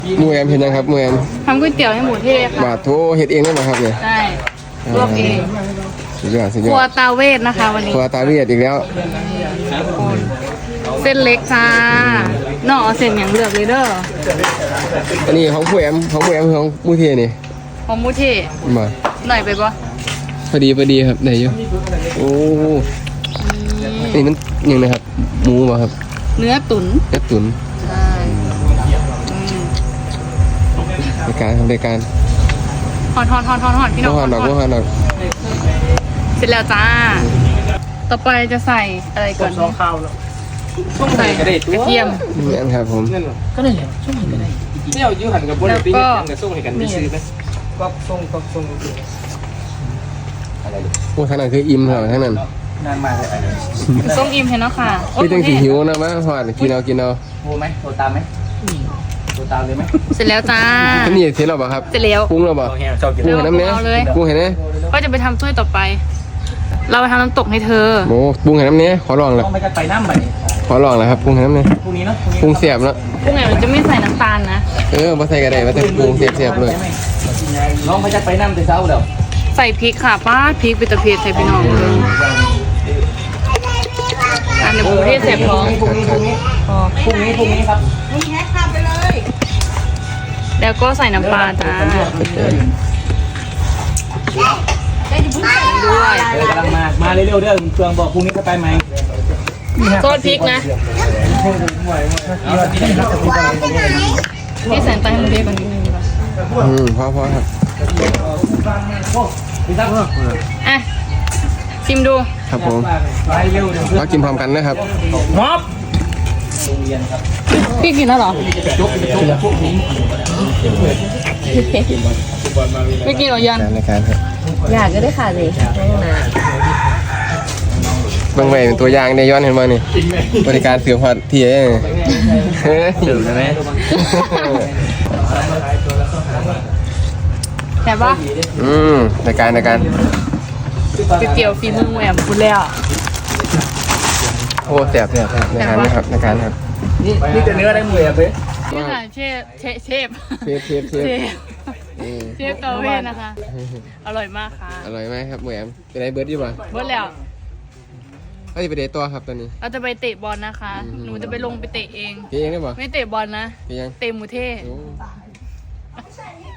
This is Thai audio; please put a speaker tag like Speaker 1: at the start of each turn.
Speaker 1: หมูแอมเห็นยังครับหมูแอม
Speaker 2: ทำก๋วยเตี๋ยวให้หมูเทศค่ะ
Speaker 1: บาทโถเห็ดเองได้ไหมครับเนี่ย
Speaker 2: ใช่ลวกเอง
Speaker 1: สุดยอดสุดย
Speaker 2: ค
Speaker 1: อ
Speaker 2: รัว
Speaker 1: ด
Speaker 2: ตาเวทนะคะวันนี้
Speaker 1: ครัวตาเวียดอีกแล้ว
Speaker 2: เส้นเล็กจ้าเนาะเอาเส้นอย่างเลือกเลยเด้อ
Speaker 1: อันนี้ของหมูแอมของหมูแอมของหมูเทนี่
Speaker 2: ของหมูเทศ
Speaker 1: มา
Speaker 2: หน่อยไปปะ
Speaker 1: พอดีครับได้อยู่โอ้นี่มันยังไงครับหมูป่ะครับ
Speaker 2: เนื้อตุ๋น
Speaker 1: เนื้อตุ๋น
Speaker 2: ใช่
Speaker 1: ในการทำในการ
Speaker 2: ฮอนพี่น้อง
Speaker 1: หนักหนัก
Speaker 2: เสร็จแล้วจ้า ต่อไปจะใส่อะไรก่อน
Speaker 3: ซองข้าวแล้ว
Speaker 2: ใส่กระเทียม
Speaker 1: นี่อันครับผม
Speaker 3: ก็ได้เลยช่วงนี้ก็ได้เนี่ยยื้อหันกับบนตีกันกับส่งให้กันไปซื้อไหมก็ส่งอะไร
Speaker 1: โอ้ท่านั้นคืออิ่มครับท่านั้น
Speaker 3: นานมากเลย
Speaker 2: ส้มอิ่มเห็นแล้วค่ะ
Speaker 1: พี่ตั้งสีหิวนะมั้งพอดกินเอา
Speaker 3: โทรไหมโทรตามไหมโทรตามเลยไหม
Speaker 2: เสร็จแล้วจ้า
Speaker 1: อันนี้เสร็จแล้วป่ะครับ
Speaker 2: เสร็จแล้ว
Speaker 1: ปรุงแล้วป่ะ
Speaker 3: ชอบกิน
Speaker 1: ปรุงเห็นน้ำเนี้ย
Speaker 2: เอาเลย
Speaker 1: ปรุงเห็นไหม
Speaker 2: ก็จะไปทำถ้วยต่อไป เราไปทำน้ำตกให้เธอ
Speaker 1: โอ้ปรุงเห็นน้ำเนี้ยขอลองเลย
Speaker 3: ต้องไปกันไปน้ำไป
Speaker 1: ขอลองเลยครับปรุงเห็นน้ำเนี้ย
Speaker 3: พรุ่งนี้เนาะ
Speaker 1: ปรุงเสียบแล้ว
Speaker 2: พวกไงมันจะไม่ใส่น้ำตาลนะ
Speaker 1: มาใส่กระไดมาใส่ปรุงเสียบเลย
Speaker 3: น้องไปกันไปน้ำแต่เช้าเดี๋ยว
Speaker 2: ใส่พริกค่ะป้าพริกเป็นตะเพียใส่พี่น้องเลยอันนี้หมูเทศเสียบท้อง
Speaker 3: พรุ่งนี้ครับ
Speaker 2: แล้วก็ใส่น้ำปลาจ้าด้วย
Speaker 3: กำลังมาเร็วๆเด้อเครื่องบอกพรุ่งนี้จะไปไหม
Speaker 2: โทษพริกนะพี่แสนใจให้หมูเทศก่อนนิดนึงดีกว่า
Speaker 1: พอครับ
Speaker 2: อ่ะชิมดู
Speaker 1: ครับผม
Speaker 3: ไปเร็วเดี๋ยว
Speaker 1: เรากินพร้อมกันนะครับ
Speaker 3: ม็อบ
Speaker 2: พี่กินแล้วเหรอไม่กินหรอยัน
Speaker 1: ในการครับ
Speaker 4: อยากก็ได้ค่ะสินะ
Speaker 1: บางใบเป็นตัวอย่างในย้อนเห็นมานี่บริการเสือพัดที่เองถึงใช่ไหม
Speaker 2: แต่ว่า
Speaker 1: ในการ
Speaker 2: ก๋วยเตี๋ยวฝีมือแหวมคุณแล้ว
Speaker 1: โอ้แสบในการนะครับในการครับ
Speaker 3: นี่จะเนื้อได้มืออ่ะเพ่
Speaker 2: นี่ค่ะเชฟ
Speaker 1: เชฟ
Speaker 2: เชฟเตาเวทนะคะ อร่อยมากค่ะ
Speaker 1: อร่อยไหมครับหมูแอมเป็นไรเบิร์ดดีป่ะ
Speaker 2: เบิร์ดแล้ว
Speaker 1: ก็จะไปเดทตัวครับตอนนี้
Speaker 2: เราจะไปเตะบอลนะคะ หนูจะไปลงไปเตะเอง
Speaker 1: พี่เองได้ป่ะ
Speaker 2: ไม่เตะบอลนะ
Speaker 1: พี่ยัง
Speaker 2: เตะหมูเทศ
Speaker 1: โอ้